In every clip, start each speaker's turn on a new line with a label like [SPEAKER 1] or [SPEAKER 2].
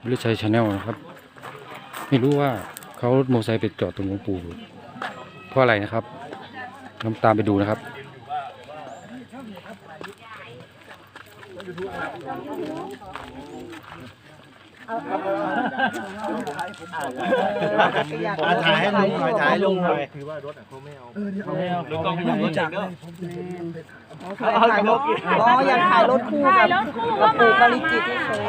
[SPEAKER 1] วิริชัยชาแนลนะครับไม่รู้ว่าเขารถมอเตอร์ไซค์ไปจอดตรงหลวงปู่เพราะอะไรนะครับน้ำตามไปดูนะครับ
[SPEAKER 2] ถ่ายให้ลุงหน่อยถ่ายให้ลุงหน่อยคือว่ารถเขาไม่เอาลุงต้องไม่รู้จักด้วย
[SPEAKER 3] ถ่ายรถอ๋ออยากถ่ายรถคู่กับปู่ปริจิตที่เคย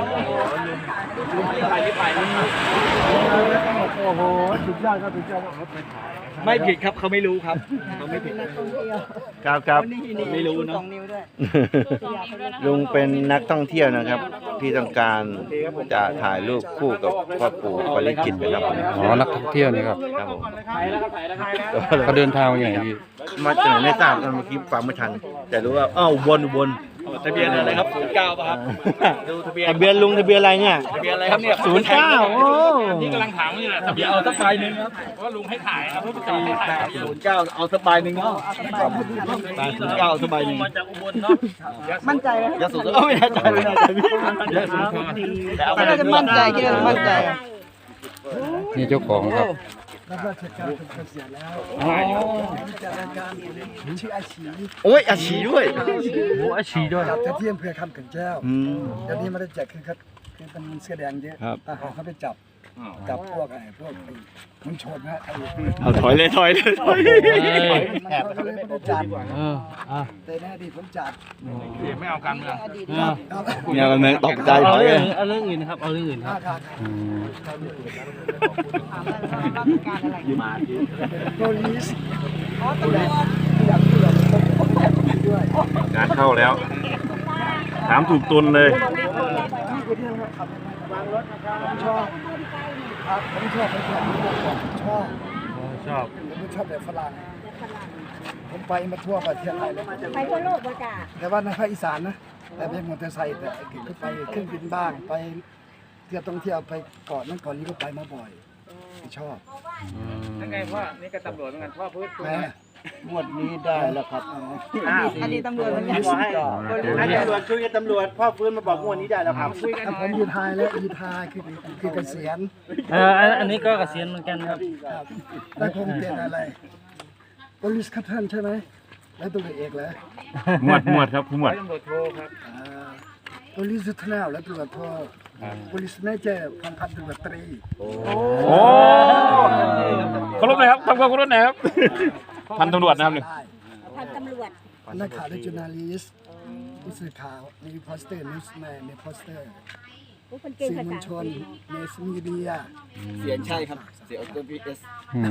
[SPEAKER 2] โอ้โหสุดยอดครับสุดยอดรถไปถ่ายไม่ผิดครับเขาไม่รู้ครับเขาไม่ผิดครับไม่รู้เนาะ
[SPEAKER 4] ลุงเป็นนักท่องเที่ยวนะครับที่ต้องการจะถ่ายรูปคู่กับพ่อปู่ปริจิตรนะครับ
[SPEAKER 1] อ๋อนักท่องเที่ยวนี่ครับ
[SPEAKER 4] ครับผม
[SPEAKER 1] เขาเดินทางมาอย่างไรพี่
[SPEAKER 4] มาจากไหนไม่ทราบครับเมื่อกี้ฟังไม่ทันแต่รู้ว่าอ้าววน
[SPEAKER 2] ทะเบียนอะไรครับ09ป่ะครับดูทะเบียน
[SPEAKER 4] ทะเบียนลุงทะเบียนอะไรเนี่ย
[SPEAKER 2] ทะเบียนอะไรครับเนี่ย
[SPEAKER 4] 09โอ้
[SPEAKER 2] นี่กำลังถามอยู่แหละทะเบียนเอาสักใบหนึ่งครับว่าลุงให้ถ่ายครับ09เอาสักใบหนึ่งเนาะ09สักใบหนึ่งมาจากอุบลเนาะ
[SPEAKER 3] มั่นใจไหม
[SPEAKER 2] ยะโสธรไม่แน่ใจพี่ยะโสธรแต่เอาไปเลย
[SPEAKER 3] มั่นใจเยอะมั่นใจ
[SPEAKER 1] นี่เจ้าของครับ
[SPEAKER 5] รับราชการจนเกษียณแล้วจัดรายการชื่ออาชี
[SPEAKER 4] โอ้ยอาชีด้วย
[SPEAKER 1] โอ้อาชีด้วย
[SPEAKER 5] จัดที่อำเภอคำเขื่อนแก้วเดี๋ยวนี้ไม่ได้จัดคือเป็นเสื้อแดงเยอะทหารเขาไปจับพวกมันชนฮะ
[SPEAKER 4] เอาถอยเลย
[SPEAKER 5] เขาเลยไม่ได้จัดแต่ในอดีตผมจัด
[SPEAKER 2] ไม่เอาการเมือง
[SPEAKER 4] เนี่ยมันตกใจถอยเลย
[SPEAKER 1] เอาเรื่องอื่นครับเอาเรื่องอื่นครับ
[SPEAKER 5] โปรลิส
[SPEAKER 4] งานเข้าแล้วถามถูกตุนเลย
[SPEAKER 5] ชอบครับผมชอบแบบฝรั่งผมไปมาทั่วประเทศไทยเลย
[SPEAKER 3] ไปทั่วโลกเลยจ้ะ
[SPEAKER 5] แต่ว่าในภาคอีสานนะแต่เป็นมอเตอร์ไซค์แต่ก็ไปเครื่องบินบ้างไปเที่ยวท่องเที่ยวไปก่อนนั้นก่อนนี้ก็ไปมาบ่อยชอบ
[SPEAKER 2] ยังไงพ่อนี่ก็ตำรวจเหมือนกันพ่อพูดถูกไหม
[SPEAKER 4] งวดนี้ได้แล้วครับ
[SPEAKER 3] อันนี้ตำรวจเหมือนกัน
[SPEAKER 4] ให้ตำรวจคุยกับตำรวจพ่อฟื้นมาบอกงวดนี้ได้แล้วครับ
[SPEAKER 5] ผมอยู่ไทยแล้วอยู่ไทยคือเกษียณ
[SPEAKER 1] อันนี้ก็เกษียณเหมือนกันครับ
[SPEAKER 5] แล้วผมเป็นอะไรบริสคัตทันใช่ไหมแล้วตัวเอกเลย
[SPEAKER 4] หมวดครับผู้หมวด
[SPEAKER 2] ตำรวจโทรครับ
[SPEAKER 5] บริสทันแล้วตัวโทรบริสเมเจอร์พันตำรวจตรี
[SPEAKER 4] โอ้เคารพเลยครับทำความเคารพนะครับพันตำรวจนะครับหนึ่ง
[SPEAKER 3] พันตำรวจ
[SPEAKER 5] นักข่าวและจูนาลิสต์ผู้สื่อข่าวมีโพสเตอร์นิวส์แมนมีโพสเตอร์สื่อมวลชนในมีเดีย
[SPEAKER 2] เสียใช่ครับเสียตัวพีเอส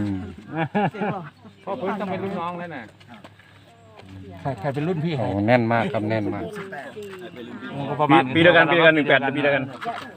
[SPEAKER 2] พ่อพื้นต้องเป็นรุ่นน้องแล้วน่ะ
[SPEAKER 1] ใครเป็นรุ่นพี่แน่นมากครับแน่นมาก
[SPEAKER 4] ประมาณปีเดียวกัน18ปีเดียวกัน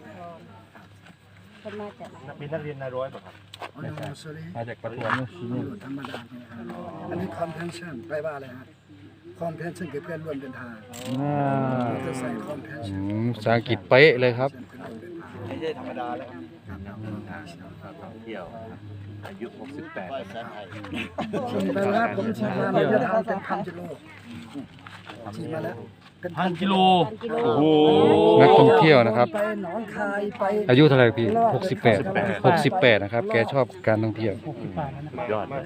[SPEAKER 2] มีนักเรียนนายร้อยป่ะครับ
[SPEAKER 1] มาจากประท้วง
[SPEAKER 5] ธรรมดาอันนี้ contention แปลว่าอะไรฮะ contention คือเพื่อนร่วมเดินทางจะใส่ contention
[SPEAKER 1] ภาษาอังกฤษเป๊ะเลยครับ
[SPEAKER 2] ไม่ใช่ธรรมดาแล้ว
[SPEAKER 4] ท่องเที่ยวอายุ68
[SPEAKER 5] ฉีดมาแล้วผมฉีดมาระยะทางเป็น1,000 กิโลฉีดมาแล้ว
[SPEAKER 1] 1,000 กิโลโอ้โหนักท่องเที่ยวนะครับ
[SPEAKER 5] ไปหนองคายไป
[SPEAKER 1] อายุเท่าไหร่พี่68นะครับแกชอบการท่องเที่ยวยอด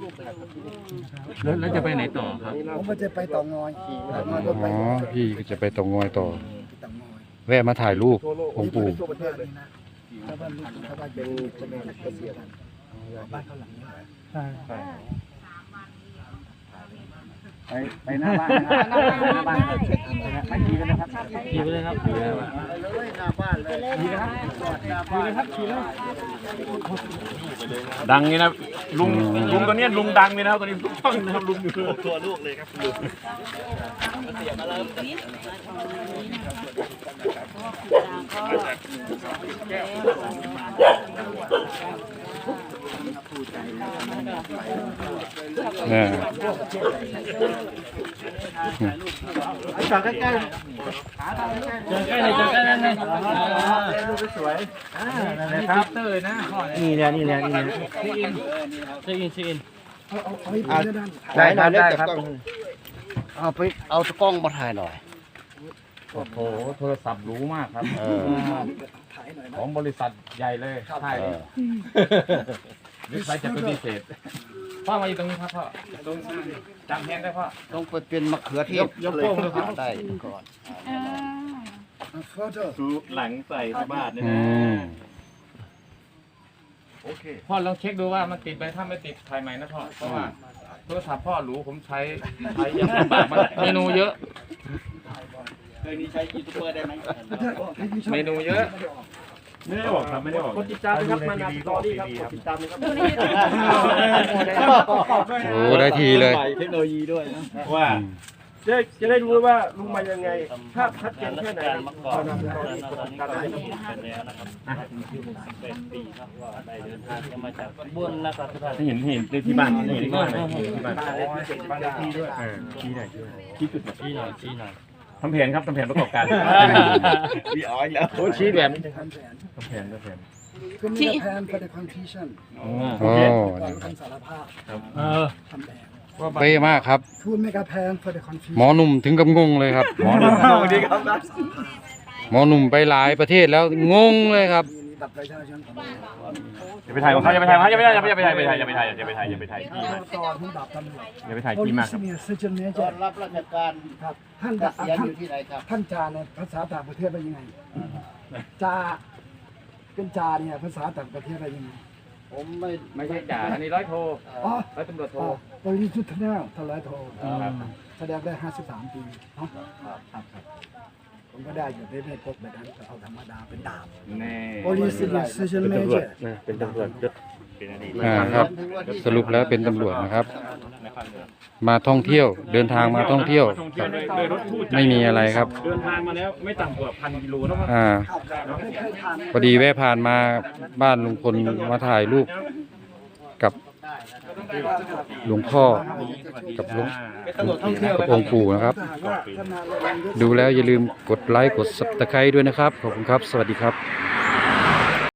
[SPEAKER 1] แล้วจะไปไหนต่อครับ
[SPEAKER 5] ผมก็จะไปต่องอย
[SPEAKER 1] อ๋อพี่ก็จะไปต่องอยต่อแวะมาถ่ายรูปองค์ปู่
[SPEAKER 2] ไปหน้าบ้านหน้าบ้านไม่ดีเลยนะครับ
[SPEAKER 1] ดีเลยครับ
[SPEAKER 4] ดังนี่นะลุงตัวนี้ลุงดังเลยนะตัวนี้ทุกช่องนะครับลุงอยู่ตัวลูกเลยครับลุง
[SPEAKER 5] จอดใกล้ๆ
[SPEAKER 1] จอดใกล้เลย
[SPEAKER 2] รูปสวยนะครับเตอร์นะ
[SPEAKER 4] นี่แหละ
[SPEAKER 1] เช็คอิน
[SPEAKER 4] ได้ครับเอาไปเอาตะกล้องมาถ่ายหน่อย
[SPEAKER 6] โอ้โหโทรศัพท์หรูมากครับ
[SPEAKER 5] ถ่ายหน่อย
[SPEAKER 6] ข
[SPEAKER 5] นะ
[SPEAKER 6] องบริษัทใหญ่เลยใช่หรือใครจะปฏิเสธพ่อมาอยู่ตรงนี้ครับพ่อตรงจำแทนได้พ่อ
[SPEAKER 4] ต้องไปเป็นมะเขือเทศ
[SPEAKER 6] ยกโป้งเลยครับ
[SPEAKER 4] ได้ก่อน
[SPEAKER 5] โฟโต้
[SPEAKER 2] ดูหลังใส่บาทเนี่ย
[SPEAKER 1] อื
[SPEAKER 2] นะ
[SPEAKER 1] ม
[SPEAKER 2] โอเค
[SPEAKER 6] พ่อลองเช็คดูว่ามันติดไหมถ้าไม่ติดถ่ายใหม่นะพ่อเพราะว่าโทรศัพท์พ่อหรูผมใช้ยังลำบากมันเมนูเยอะ
[SPEAKER 2] เคยนี้ใช้ยูทูบเบอร์ได้ไหม
[SPEAKER 6] เมนูเยอะ
[SPEAKER 2] ไม่ได้บอกครับไม่ได้บอก
[SPEAKER 7] กดติดตามนะครับมานาสตอรี่ครับกดติดตามนะครับ
[SPEAKER 1] โอ้ได้ทีเลย
[SPEAKER 2] เทคโนโลยีด้วยนะว่า
[SPEAKER 7] จะได้รู้ว่าลุงมายังไงภาพชัดเจนแค่ไหนครับมานาสตอรี่กดติดตามนะครับ
[SPEAKER 2] เห็นที่บ้านเห็นที่บ้านที่บ้าน
[SPEAKER 7] บ้านเลขที่ด้วย
[SPEAKER 2] ที่จุดที่หน่อยทำแผนครับทำแผนประกอบการพี่อ้อยแล้ว
[SPEAKER 6] โอ้ชี้แบบ
[SPEAKER 2] ทำแผน
[SPEAKER 5] ก็มีแพน for the confusion
[SPEAKER 1] โอ้
[SPEAKER 5] ก่อนคำสารภาพทำแผน
[SPEAKER 1] เป๊ะมากครับ
[SPEAKER 5] ทูนเมกาแพน for the confusion
[SPEAKER 1] หมอหนุ่มถึงกับงงเลยครับ หมอหนุ่ม
[SPEAKER 2] สวัสดีครับ
[SPEAKER 1] หมอหนุ่มไปหลายประเทศแล้วงงเลยครับ
[SPEAKER 5] มีบัตรประชาชนของเรา
[SPEAKER 2] อย่าไปถ่ายของเขาอย่าไปถ่ายอย่าไปถ่ายอย่าไปถ่ายอย่าไปถ่ายอย่าไปถ่ายอย่าไปถ่ายพี่
[SPEAKER 5] ตอนที่ดับตำรวจ
[SPEAKER 2] อย่าไปถ่ายพี่มากครับ
[SPEAKER 5] Police Senior Sergeant Major
[SPEAKER 4] รับราชการ
[SPEAKER 5] ครับท่าน
[SPEAKER 4] เกษียณอยู่ที่ไหนครับ
[SPEAKER 5] ท่านจาในภาษาต่างประเทศเป็นยังไงจาเป็นจาเนี่ยภาษาต่างประเทศเป็นยังไง
[SPEAKER 4] ผมไม่
[SPEAKER 6] ไม่ใช่จ่าอันนี้ร้อยโท
[SPEAKER 5] อ๋อ
[SPEAKER 6] ร้อยตำรวจโท
[SPEAKER 5] บริสุทธิ์แน่ทลายโทแสดงได้53 ปีเนาะครับผมก็ได้อยู่ไม่พกแบบนั้นเอาธรรมดาเป็นดาบ
[SPEAKER 6] แน่
[SPEAKER 5] Police Senior Sergeant Major
[SPEAKER 7] เป็นตำรวจยศ
[SPEAKER 1] ครับ สรุปแล้วเป็นตำรวจนะครับ มาท่องเที่ยวเดินทางมาท่องเที่ยว
[SPEAKER 2] ท่องเที่ยวโดยรถคู่ใจ
[SPEAKER 1] ไม่มีอะไรครับ
[SPEAKER 2] เดินทางมาแล้วไม่ต่ำกว่า1,000 กิโลแล้วมั้ง
[SPEAKER 1] พอดีแวะผ่านมาบ้านลุงพลมาถ่ายรูปกับหลวงพ่อกับหลวง
[SPEAKER 2] เป็นตำรวจท่องเที่ยว
[SPEAKER 1] กับองค์ปู่นะครับ ดูแล้วอย่าลืมกดไลค์กด Subscribe ด้วยนะครับ ขอบคุณครับ สวัสดีครับ